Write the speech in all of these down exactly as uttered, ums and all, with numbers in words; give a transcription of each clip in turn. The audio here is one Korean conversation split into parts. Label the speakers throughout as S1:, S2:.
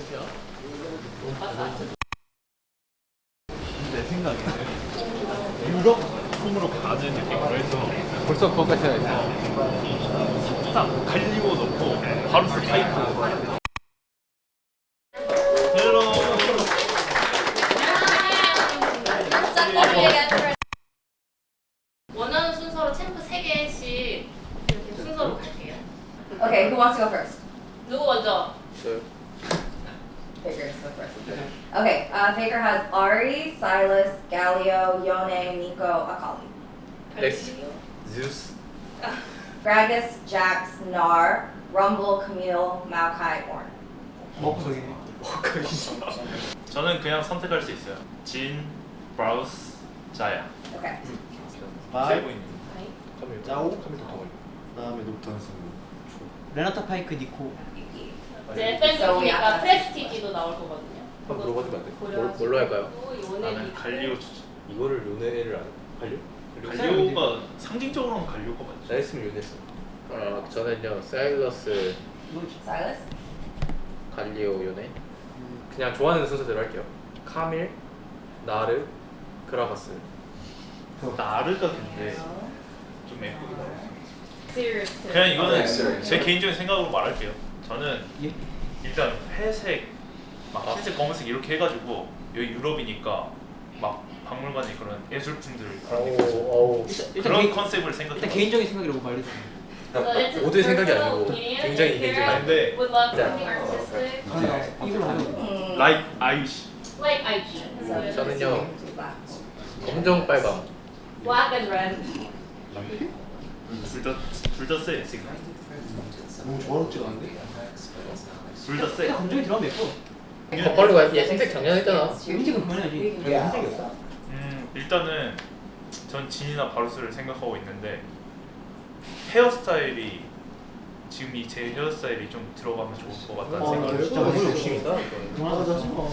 S1: 내 생각에는 유럽 풍으로 가는 느낌으로 해서
S2: 벌써 그것까지 해야겠다.
S1: 딱 갈리고 넣고 바루스 파이크. 헬로.
S3: 원하는 순서로 챔프 세 개씩 이렇게 순서로 갈게요.
S4: Okay, who wants to go first?
S3: 누구 먼저?
S2: 저요.
S4: Faker go first. Okay, uh, Faker has Ari, Silas, Galio, Yone, Nico, Akali.
S2: 넥스트. Zeus.
S4: Gragas, Jax, Nar, Rumble, Camille, Maokai, Orn.
S2: 먹석이네.
S1: 저는 그냥 선택할 수 있어요. 진, 브라우스, 자야.
S4: Okay.
S1: 세 분이.
S3: 아이.
S2: 짜오. 카밀 더
S5: 다음에 녹턴 승부.
S6: 레나타 파이크 니코.
S3: 이제
S4: So we
S3: 팬이니까
S4: have
S3: 프레스티지도 나올 거거든요.
S2: 한번 물어봐주면 안 돼?
S3: 고려하시고
S2: 뭘- 뭘로 할까요?
S3: 요네
S1: 나는
S3: 니코.
S1: 갈리오 추천.
S2: 이거를 요네를 안 갈려?
S1: 갈리오가 상징적으로는 갈리오가
S2: 나
S1: 맞죠.
S2: 했으면 요네했어. 아 저는요 사일러스,
S4: Silas?
S2: 갈리오, 요네. 그냥 좋아하는 순서대로 할게요. 카밀, 나르, 그라가스.
S1: 나르가 근데 좀 예쁘게 나와요.
S3: Serious.
S1: 그냥 이거는
S2: 네.
S1: 제 개인적인 생각으로 말할게요. 저는
S6: 예?
S1: 일단 회색, 막 흰색, 검은색 이렇게 해가지고 여기 유럽이니까 막 박물관에 그런 예술품들 그런 데 가지고
S2: 어우.
S1: 그런
S6: 개인-
S1: 컨셉을 생각해.
S6: 일단 개인적인 생각이라고 말해주세요.
S2: 모두의 생각이 아니고 굉장히 개인적인.
S1: 근데
S3: Would love something artistic,
S6: 이걸로 하면
S4: Mm.
S1: like 아이시.
S3: like I G. So
S2: 저는요 검정 빨강.
S3: black and red.
S1: 둘다둘다 세. 지금
S5: 너무 조화롭지가 않은데?
S1: 둘다 세.
S6: 감정이 들어가면 예뻐.
S2: 겉벌로 가. 얘 흰색 작년 했잖아.
S6: 흰색은 그만해야지. 저기 흰색이었어?
S1: 음 일단은 전 진이나 바루스를 생각하고 있는데 헤어스타일이 지금 이 제 헤어스타일이 좀 들어가면 좋을 것 같다는
S6: 어,
S1: 생각을.
S6: 진짜 너무
S2: 욕심이다.
S6: 그만하자.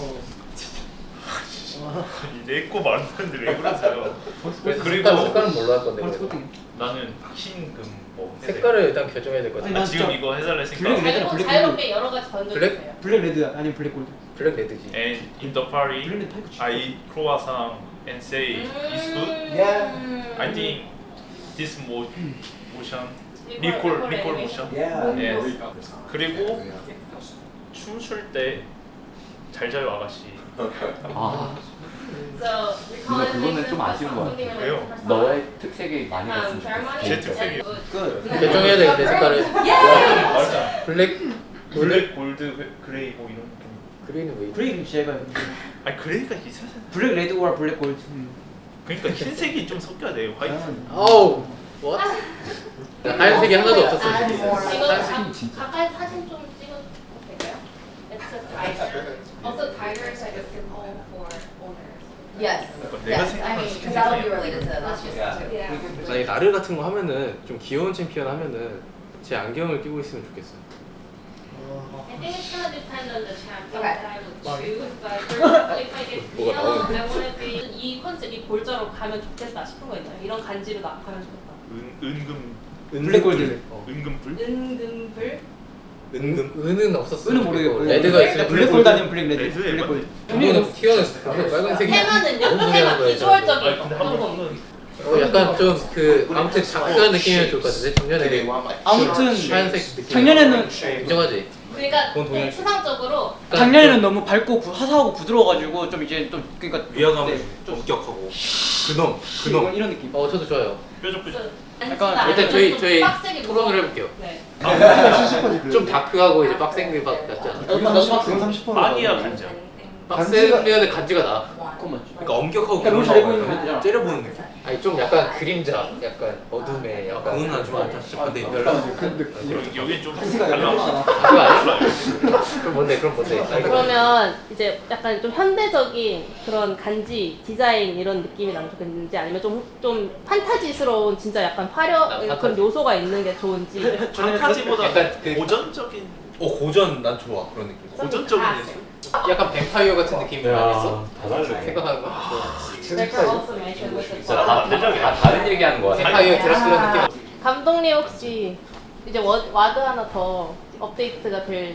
S1: 내거 말하는데 왜 그러세요?
S2: 그리고
S1: 그리고
S2: 색깔은 뭘로 할 건데?
S6: 바로
S2: 그래도?
S6: 스포팅.
S1: 나는 흰금 뭐 해야 돼?
S2: 색깔을 일단 결정해야 될 것 같아.
S6: 아니,
S1: 아,
S6: 난
S1: 지금
S6: 진짜
S1: 이거 해달라
S6: 블랙
S1: 했으니까
S6: 레드.
S3: 자유롭,
S6: 블랙
S3: 자유롭게 여러 가지 던져주세요.
S2: 블랙?
S6: 블랙 레드 아니면 블랙 골드.
S2: 블랙 레드지.
S1: And in the party,
S6: 블랙 레드 파이크 치고.
S1: I croissant and say it's good.
S3: 음.
S1: I think this mo motion, recall recall motion. Yes. 그리고 춤출 때 잘 자요 아가씨.
S7: 아,
S3: So,
S7: 근데 그거는 좀 아쉬운 것 같아.
S1: 왜요?
S7: 너의 특색이 많이
S3: Um,
S7: 갔으면
S3: ceremony.
S7: 좋겠어.
S1: 제 특색이요.
S6: 끝.
S2: 결정해야 돼 근데 색깔을.
S1: 맞아.
S2: 블랙
S1: 블랙, 골드, 회- 그레이 뭐 이런 느낌.
S2: 그레이는 왜?
S6: 브레이크 제가
S1: 아니 그레이가 있어야 돼.
S6: 블랙 레드 오라 블랙 골드. 음.
S1: 그러니까 흰색이 좀 섞여야 돼요. 화이트.
S2: 아우. what? 하얀색이 하나도 없었어.
S3: 아,
S2: 지금.
S3: 이거
S7: 사진 진짜.
S3: 가, 가까이 사진 좀 찍어도 될까요? It's a tiger. Also, tiger is like a symbol for owners.
S4: Yes.
S1: 그러니까 내가
S4: Yes, I
S1: 생각하는
S4: mean,
S1: 스킨
S4: because that'll be
S1: 색상이야.
S4: related to last year's too.
S3: Yeah.
S2: 나 이 나르 같은 거 하면은 좀 귀여운 챔피언 하면은 제 안경을 끼고 있으면 좋겠어.
S3: I think it's gonna depend on the champion
S4: Okay.
S3: that I would choose, but for example, if I get
S2: 뭐가
S3: Theo,
S2: 나오는데?
S3: I wanna be 이 컨셉, 이 골자로 가면 좋겠다 싶은 거 있나요? 이런 간지로 나 가면 좋겠다.
S1: 은 은금
S6: 블랙 골드.
S2: 어.
S1: 은금불?
S3: 은금불?
S2: 은은 은은 없었어.
S6: 은은 모르겠고.
S2: 레드가 있으면
S6: 블랙 골드 아니면 블랙 레드.
S1: 레드
S6: 블랙
S1: 에바?
S6: 골드.
S2: 이거는 튀어는 빨간색이.
S3: 테마는요?
S2: 너무
S3: 테마
S2: 중요한 거야.
S3: 비주얼적인
S1: 아니 근데
S3: 거.
S1: 한번
S3: 어떤 거?
S1: 한번
S2: 어 약간 좀 그 아무튼 작가한 느낌이면 좋을 것 같은데 작년에
S6: 아무튼
S2: 하얀색 느낌.
S6: 작년에는
S2: 인정하지.
S3: 그러니까
S2: 그건 동의할 수
S3: 추상적으로
S6: 작년에는 너무 밝고 구, 화사하고 부드러워가지고 좀 이제 좀 그러니까
S2: 위화감을
S6: 네, 좀
S2: 엄격하고 그놈
S6: 이런, 이런 느낌.
S2: 어 저도 좋아요.
S1: 뾰족뾰족.
S6: 약간
S2: 일단 저희 저희 토론을 해볼게요.
S3: 네.
S5: 칠십 퍼지
S2: 좀 다크하고 이제 빡센 게 같지 않아?
S5: 지금 삼십 퍼.
S1: 빵이야 간장.
S2: 빡센면은 간지가 나.
S6: 그건 맞죠.
S2: 그러니까 엄격하고
S6: 그러니까 너무 잘 보이는 거 되잖아.
S2: 째려보는 느낌. 아니 좀 약간 그림자, 약간 어둠에 약간. 그건 난 좀 안타. 근데 별로.
S5: 근데
S1: 여기 여기 좀
S6: 생각 안
S1: 달라.
S6: 해봤잖아.
S2: 그거 아니야? 그럼 뭔데? 그럼 뭔데? 아, 이거.
S3: 그러면 이제 약간 좀 현대적인 그런 간지 디자인 이런 느낌이 나면 좋겠는지 아니면 좀 좀 판타지스러운 진짜 약간 화려
S2: 아,
S3: 그런
S2: 판타지.
S3: 요소가 있는 게 좋은지.
S1: 판타지보다
S2: 약간 그-
S1: 고전적인
S2: 어 고전 난 좋아 그런 느낌.
S1: 고전적인 예술.
S2: 약간 뱀파이어 같은 느낌이 아니었어?
S7: 다 다르네.
S2: 생각하는 거?
S3: There's also mention with the
S7: 진짜 다, 다 다른 얘기하는 거 같아.
S2: 뱀파이어 드라큘라 느낌.
S3: 감독님 혹시 이제 워, 와드 하나 더 업데이트가 될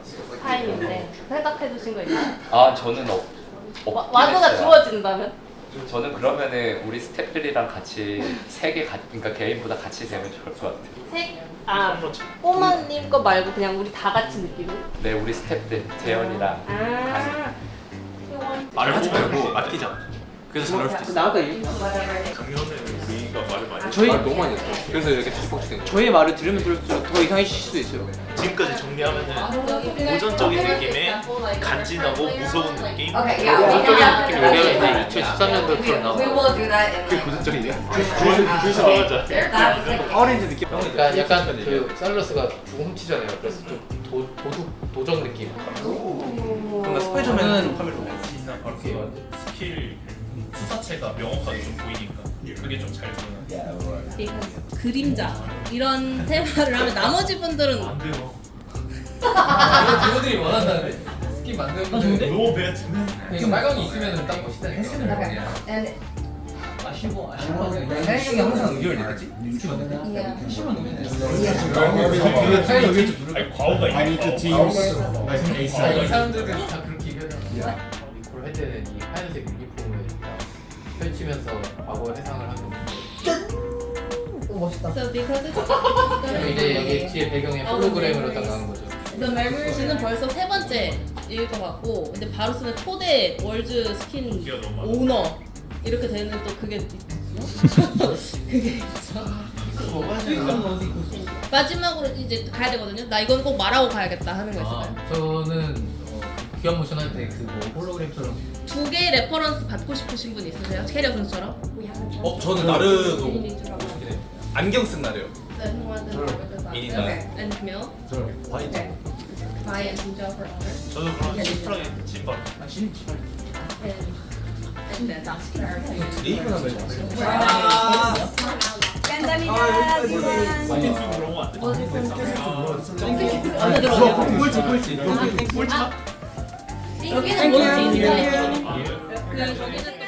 S3: 타임인데 생각해 두신 거 있나요?
S7: 아 저는 없,
S3: 와-
S7: 없긴
S3: 와드가
S7: 했어요.
S3: 주어진다면?
S7: 저는 그러면은 우리 스태프들이랑 같이 세개 그러니까 개인보다 같이 되면 좋을 것 같아요.
S3: 색? 아 꼬마님 거 말고 그냥 우리 다 같이 느끼는?
S7: 네 우리 스태프들 재현이랑
S3: 아
S1: 말을 하지 말고 맡기자. 그래서 잘 나올 수도 있어.
S6: 나아가 이
S1: 작년에 우리가 말을 많이
S6: 저희
S2: 말 너무 많이 했어. 그래서 이렇게 뒤집어지는 거야.
S6: 저의 말을 들으면 들을수록 더 이상해질 수도 있어요.
S1: 지금까지 정리하면은 고전적인 느낌의 간지나고 무서운 느낌.
S4: Okay, yeah, we
S2: 고전적인
S4: can
S2: 느낌이
S4: have.
S2: 왜냐면 이제 이천십삼 년도처럼
S4: We
S2: 나와.
S4: will do that in
S5: 그게
S4: like.
S5: 고전적이냐?
S1: 줄 서가자.
S4: That's the
S5: 어린이집 느낌.
S2: 그러니까 약간 그 살러스가 죽음 훔치잖아요. 그래서 좀 도, 도둑 도적 느낌.
S5: 뭔가 스파이더맨은 카메라
S1: 이렇게 스킬 투사체가 명확하게 좀 보이니까 그게 좀 잘 드러나.
S3: Because 그림자 이런 테마를 하면 나머지 분들은
S1: 안 돼요.
S8: 친구들이 원한다는데 스킨 만드는 건데
S1: 노 배트는
S8: 이게 빨강이 있으면 딱 멋있다니까.
S4: Okay. And
S8: 아쉬워 아쉬워. 사장님이 항상 의견을 내겠지?
S4: yeah.
S8: 심한 의견. 사장님 의견 좀 누르.
S1: 아니 과오가
S5: I need to
S1: 있어.
S5: teams.
S8: 아, 이 사람들은 다 그렇게 얘기하잖아. 리콜 할 때는 이 하얀색 유니폼을 딱 펼치면서 과거 회상을 하는 건데.
S3: So because it's
S8: 그럼 이제 여기 뒤에 배경에 홀로그램으로 딱 나오는 거죠.
S3: The Memory는 벌써 세 번째일 것 같고 근데 바루스는 초대 월드 스킨
S1: 기가 너무 많아.
S3: 오너 이렇게 되는 또 그게 있어. 그게 있어. 마지막으로 이제 가야 되거든요. 나 이건 꼭 말하고 가야겠다 하는 거 있어요.
S8: 아, 저는 어, 기업 모션 할 때 그 뭐 홀로그램처럼.
S3: 두 개의 레퍼런스 받고 싶으신 분 있으세요? 캐리어 선수처럼?
S9: 어 저는 나르도 안경 쓴 나르요.
S3: 미니나 and Camille. Okay. Bye and Jinjo for honor.
S1: 저도 그런 심플하게 찐밥.
S3: And and then that's
S9: 리이브 하면
S1: 스킨 쓰고 그런 거안 돼.
S3: 어디 들어오냐?
S5: 꼴찌 꼴찌.
S3: 여기는 뭔지 인사해. 그 거기는